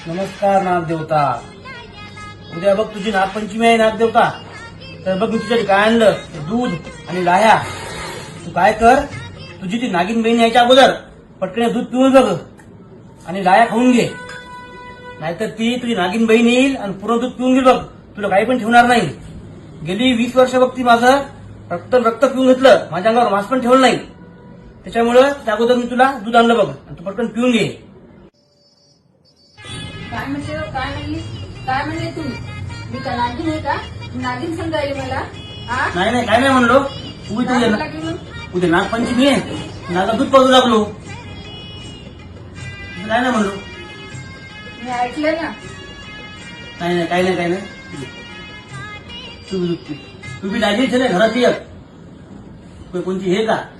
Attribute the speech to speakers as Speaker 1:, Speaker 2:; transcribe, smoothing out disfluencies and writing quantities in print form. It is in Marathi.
Speaker 1: नमस्कार नागदेवता. उद्या बघ तुझी नागपंचमी आहे नागदेवता. तर बघ मी तुझ्यासाठी काय आणलं, दूध आणि लाह्या. तू काय कर, तुझी ती नागिन बहीण यायच्या अगोदर पटकन दूध पिऊन बघ आणि लाह्या खाऊन घे. नाहीतर ती तुझी नागिन बहीण येईल आणि पूर्ण दूध पिऊन घेईल बघ. तुला काही पण ठेवणार नाही. गेली 20 वर्ष बघ ती माझं रक्त पिऊन घेतलं, माझ्या अंगावर मास्क पण ठेवलं नाही. त्याच्यामुळं त्या अगोदर मी तुला दूध आणलं बघ आणि तू पटकन पिऊन घे.
Speaker 2: काय म्हणते काय म्हणले तू? मी का नागिन आहे का? नागिन समजायली मला? हा?
Speaker 1: नाही काय नाही म्हणलो.
Speaker 2: काय म्हणला की मग?
Speaker 1: उद्या नागपंचमी आहे, नागा दूध पाजू लागलो. काय नाही म्हणलो.
Speaker 2: मी ऐकलं ना.
Speaker 1: काही नाही. तू बी दाजी घरात ये. कोणती हे का